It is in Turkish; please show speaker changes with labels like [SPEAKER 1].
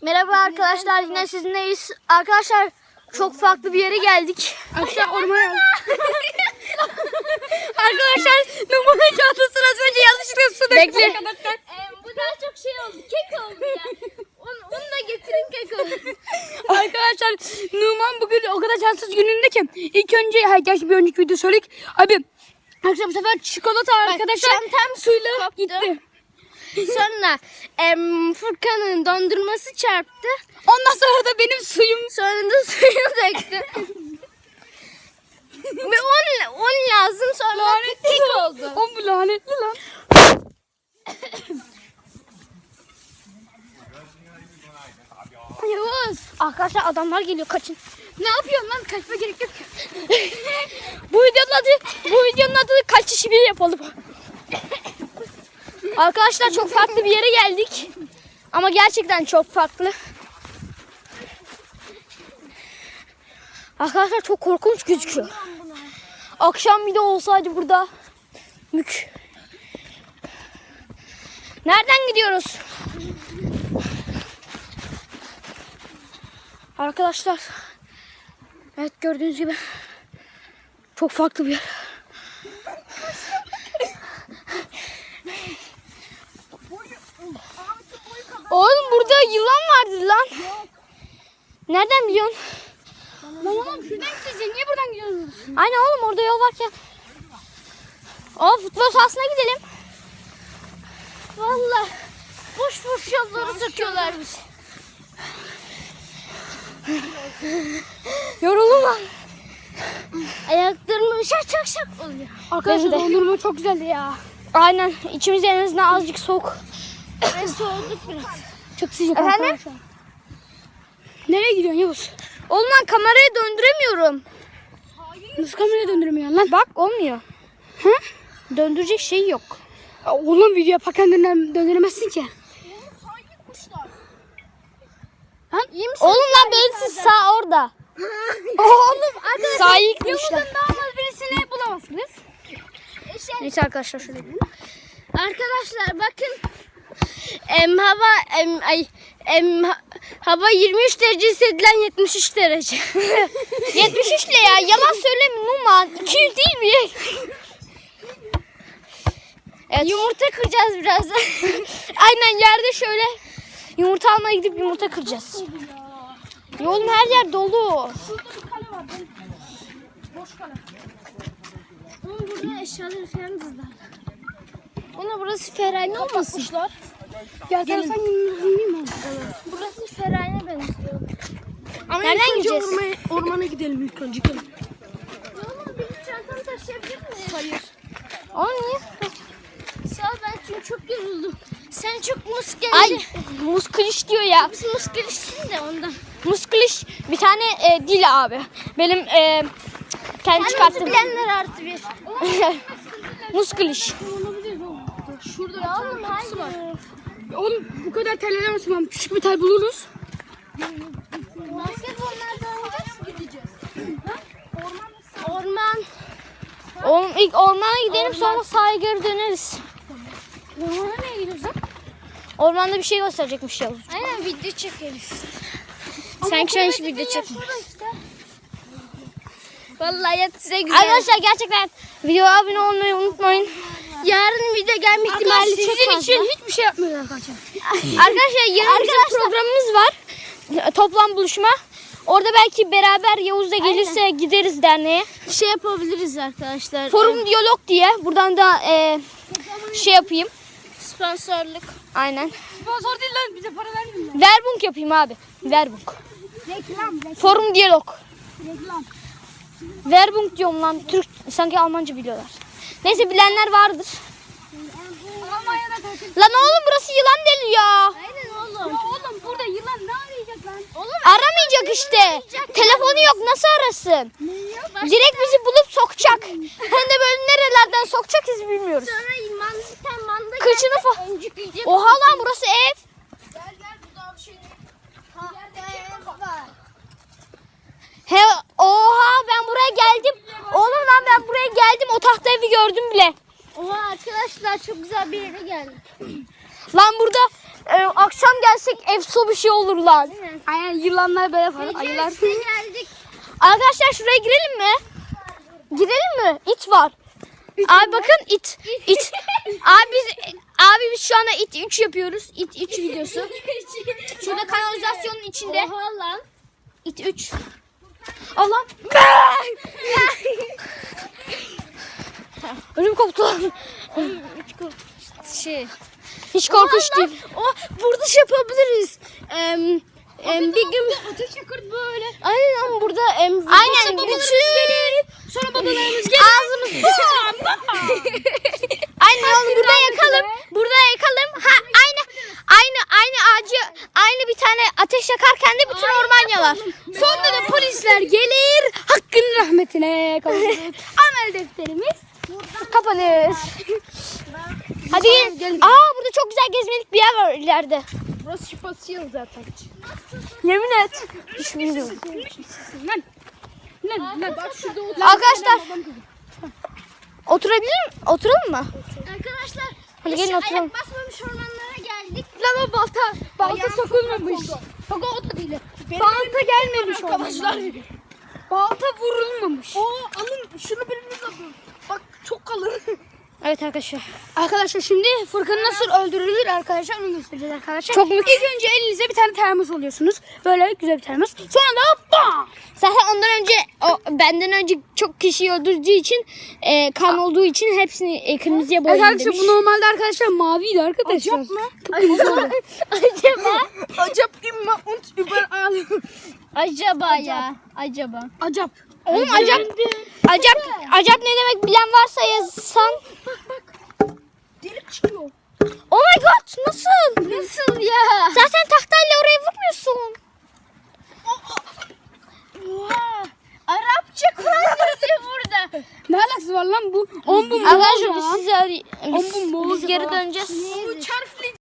[SPEAKER 1] Merhaba arkadaşlar, yine sizinleyiz. Arkadaşlar çok farklı bir yere geldik.
[SPEAKER 2] Arkadaşlar ormana Arkadaşlar numara çantasını az önce yanlışlıkla su döktüm.
[SPEAKER 1] Bekle.
[SPEAKER 2] Arkadaşlar.
[SPEAKER 3] Bu daha çok şey oldu. Kek oldu ya. Onu da getirin kek oldu.
[SPEAKER 2] Arkadaşlar Numan bugün o kadar şanssız gününde ki ilk önce gerçi bir önceki video söyledik. Abi arkadaşlar bu sefer çikolata arkadaşlar
[SPEAKER 3] çantam
[SPEAKER 2] suyla gitti.
[SPEAKER 3] Sonra Furkan'ın dondurması çarptı.
[SPEAKER 2] Ondan sonra da benim suyum.
[SPEAKER 3] Sonra da suyu döktü. Ve on lazım, sonra
[SPEAKER 2] Lanetli
[SPEAKER 3] kek
[SPEAKER 2] lan.
[SPEAKER 3] oldu.
[SPEAKER 2] O bu lanetli lan.
[SPEAKER 3] Yavuz.
[SPEAKER 1] Arkadaşlar adamlar geliyor, kaçın.
[SPEAKER 2] Ne yapıyorsun lan? Kaçma gerek yok.
[SPEAKER 1] Bu videonun adı kaç işi bir yapalım. Arkadaşlar çok farklı bir yere geldik. Ama gerçekten çok farklı. Arkadaşlar çok korkunç gözüküyor. Akşam bir de olsaydı burada. Mük. Nereden gidiyoruz? Arkadaşlar. Evet, gördüğünüz gibi çok farklı bir yer. Oğlum burada yılan vardı lan. Nereden biliyorsun?
[SPEAKER 2] Lan oğlum şuradan gideceğiz. Niye buradan gidiyorsunuz?
[SPEAKER 1] Aynen oğlum, orada yol varken. O futbol sahasına gidelim.
[SPEAKER 3] Vallahi boş boş yolları söküyorlar bizi.
[SPEAKER 1] Yoruldum lan.
[SPEAKER 3] Ayaklarım şak şak oluyor.
[SPEAKER 2] Arkadaşlar
[SPEAKER 1] Benim de.
[SPEAKER 2] dondurma çok güzeldi ya.
[SPEAKER 1] Aynen, içimiz en azından azıcık soğuk.
[SPEAKER 3] Ve soğuduk biraz.
[SPEAKER 2] Çok sıcak
[SPEAKER 1] Efendim?
[SPEAKER 2] arkadaşlar. Nereye gidiyorsun Yavuz?
[SPEAKER 1] Oğlum lan, kamerayı döndüremiyorum.
[SPEAKER 2] Nasıl kameraya döndürmüyorsun lan?
[SPEAKER 1] Bak, olmuyor.
[SPEAKER 2] Hı?
[SPEAKER 1] Döndürecek şey yok.
[SPEAKER 2] Ya oğlum video yaparken döndüremezsin ki.
[SPEAKER 3] İyi misin?
[SPEAKER 1] Oğlum lan, belirsiz sağ orada.
[SPEAKER 2] Oğlum arkadaşlar.
[SPEAKER 1] Sağı yıkmışlar.
[SPEAKER 2] Yavuz'un daha olmaz birisini bulamazsınız.
[SPEAKER 1] Neyse arkadaşlar, şöyle.
[SPEAKER 3] Arkadaşlar bakın. Hava 23 derece hissedilen 73 derece.
[SPEAKER 1] 73 ile ya, yalan söyleme Numan. 200 değil mi? Evet.
[SPEAKER 3] Yumurta kıracağız birazdan.
[SPEAKER 1] Aynen, yerde şöyle yumurta almaya gidip yumurta kıracağız. Ya oğlum, her yer dolu.
[SPEAKER 2] Şurada bir kale var. Boş kale.
[SPEAKER 3] Ama burada eşyaları falan dizler. Ona burası ferhane olmasın?
[SPEAKER 2] Gel sen yiyeyim mi?
[SPEAKER 3] Burası ferhane benziyor.
[SPEAKER 2] Ama
[SPEAKER 1] Nereden
[SPEAKER 2] ilk önce
[SPEAKER 1] gideceğiz?
[SPEAKER 2] ormana gidelim ilk önce.
[SPEAKER 3] Oğlum benim çantamı taşıyabilir miyim?
[SPEAKER 2] Hayır.
[SPEAKER 1] Oğlum niye?
[SPEAKER 3] Sağ ol, ben çünkü çok yoruldum. Sen çok muskelici.
[SPEAKER 1] Ay, muskiliş diyor ya.
[SPEAKER 3] Biz muskelişsin de ondan.
[SPEAKER 1] Muskiliş bir tane dil abi. Benim kendi
[SPEAKER 3] Kendimizi
[SPEAKER 1] çıkarttığım.
[SPEAKER 3] bilenler artı bir.
[SPEAKER 1] Muskiliş.
[SPEAKER 2] Şurada
[SPEAKER 3] Ya oğlum hayır.
[SPEAKER 2] Oğlum bu kadar terlemesin lan. Küçük bir tel buluruz.
[SPEAKER 3] Basketbollarda oynayacağız mı, gideceğiz? Orman.
[SPEAKER 1] Oğlum ilk ormana gidelim, sonra sahaya geri döneriz.
[SPEAKER 3] Ormana nereye gidiyoruz lan?
[SPEAKER 1] Ormanda bir şey gösterecekmiş Yavuz.
[SPEAKER 3] Aynen, video çekeriz.
[SPEAKER 1] Sanki sen hiç video çekme.
[SPEAKER 3] Vallahi ya, size güzel.
[SPEAKER 1] Arkadaşlar gerçekten videoya abone olmayı unutmayın.
[SPEAKER 3] Yarın video gelme ihtimali çok
[SPEAKER 2] Sizin
[SPEAKER 3] fazla.
[SPEAKER 2] için hiçbir şey yapmıyoruz arkadaşlar.
[SPEAKER 1] Arkadaşlar yarın bizim programımız var. Toplam buluşma. Orada belki beraber Yavuz da gelirse gideriz derneğe.
[SPEAKER 3] Şey yapabiliriz arkadaşlar.
[SPEAKER 1] Forum diyalog diye. Buradan da şey yapayım.
[SPEAKER 3] Sponsorluk.
[SPEAKER 1] Aynen.
[SPEAKER 2] Sponsor değil lan, bize para vermiyor.
[SPEAKER 1] Verbunk yapayım abi. Verbunk.
[SPEAKER 2] Reklam.
[SPEAKER 1] Forum diyalog.
[SPEAKER 2] Reklam.
[SPEAKER 1] Verbunk diyorum lan. Türk, sanki Almanca biliyorlar. Neyse, bilenler vardır.
[SPEAKER 2] Almanya'da tatil.
[SPEAKER 1] Lan oğlum, burası yılan deli ya.
[SPEAKER 3] Aynen oğlum.
[SPEAKER 2] Ya oğlum burada yılan ne arayacak lan?
[SPEAKER 3] Oğlum
[SPEAKER 1] Aramayacak işte. Telefonu yok, nasıl arasın? Direkt bizi bulup sokacak. Hem de böyle nerelerden sokacak biz bilmiyoruz.
[SPEAKER 3] sonra manda
[SPEAKER 1] Kıçını falan.
[SPEAKER 3] öncük yiyecek.
[SPEAKER 1] Oha lan, burası ev.
[SPEAKER 3] Gel bu daha bir şey değil. Var.
[SPEAKER 1] He, oha, ben buraya geldim. Oğlum lan, ben buraya geldim. O tahta evi gördüm bile.
[SPEAKER 3] Oha arkadaşlar, çok güzel bir yere geldik.
[SPEAKER 1] Lan burada akşam gelsek efso bir şey olur lan.
[SPEAKER 2] Aynen yılanlar böyle falan. Ayılar.
[SPEAKER 3] İşte geldik.
[SPEAKER 1] Arkadaşlar şuraya girelim mi? Girelim mi? İt var. Abi bakın it. Abi biz şu anda it 3 yapıyoruz. It 3 videosu. Şurada kanalizasyonun içinde.
[SPEAKER 3] Oha lan.
[SPEAKER 1] It 3. Allah. Ölüm koptu lan. Hiç korkunç değil.
[SPEAKER 3] Burada şey yapabiliriz. Bir gün ateş yakırt böyle. Aynen ama burada
[SPEAKER 1] Aynen bütün.
[SPEAKER 3] Sonra babalarımız gelir.
[SPEAKER 1] Ağzımız. Aynen oğlum burada yakalım. Burada yakalım. Ha aynı ağacı aynı bir tane ateş yakarken de bütün orman yanar.
[SPEAKER 2] Sonra da polisler gelir. Hakkın rahmetine kavuşuruz. Amel defterimiz.
[SPEAKER 1] Kapanır. Hadi gelin. Burada çok güzel gezmelik bir yer var ileride.
[SPEAKER 3] Burası şifasıyız zaten.
[SPEAKER 1] Yemin et. Hiç bilmiyorum.
[SPEAKER 2] Lan.
[SPEAKER 3] Bak şurada
[SPEAKER 1] Arkadaşlar. Oturalım mı?
[SPEAKER 3] Arkadaşlar.
[SPEAKER 1] Hadi gelin oturalım.
[SPEAKER 3] Ayak basmamış ormanlara geldik.
[SPEAKER 2] Lan o balta sokulmamış.
[SPEAKER 3] Bak o da değil.
[SPEAKER 2] Balta gelmemiş
[SPEAKER 3] Arkadaşlar.
[SPEAKER 2] Balta vurulmamış.
[SPEAKER 3] Alın şunu biriniz alın. Bak çok kalın.
[SPEAKER 1] Evet arkadaşlar.
[SPEAKER 2] Arkadaşlar şimdi Furkan'ı nasıl öldürülür arkadaşlar onu göstereceğiz arkadaşlar.
[SPEAKER 1] Çok mükemmel.
[SPEAKER 2] İlk önce elinize bir tane termos alıyorsunuz. Böyle güzel bir termos. Sonra da bam!
[SPEAKER 1] Zaten ondan önce benden önce çok kişiyi öldürdüğü için kan olduğu için hepsini kırmızıya
[SPEAKER 2] Evet
[SPEAKER 1] boyayın
[SPEAKER 2] arkadaşlar
[SPEAKER 1] demiş.
[SPEAKER 2] bu normalde arkadaşlar maviydi arkadaşlar.
[SPEAKER 3] Acap mı?
[SPEAKER 1] Acaba?
[SPEAKER 3] Acap imma und überall.
[SPEAKER 1] Acaba ya. Acaba.
[SPEAKER 2] Acap.
[SPEAKER 1] Oğlum acap ne demek bilen varsa yazsan.
[SPEAKER 3] Delik çıkıyor.
[SPEAKER 1] Oh my god nasıl?
[SPEAKER 3] Nasıl ya?
[SPEAKER 1] Zaten tahtayla oraya vurmuyorsun.
[SPEAKER 3] Oha. Arapça Kur'an yazıyor burada.
[SPEAKER 2] Ne alakası var lan bu? 10 bu mu?
[SPEAKER 1] Arkadaşlar biz sizi
[SPEAKER 2] Oğlum bu
[SPEAKER 1] biz geri döneceğiz.
[SPEAKER 3] Bu çarplı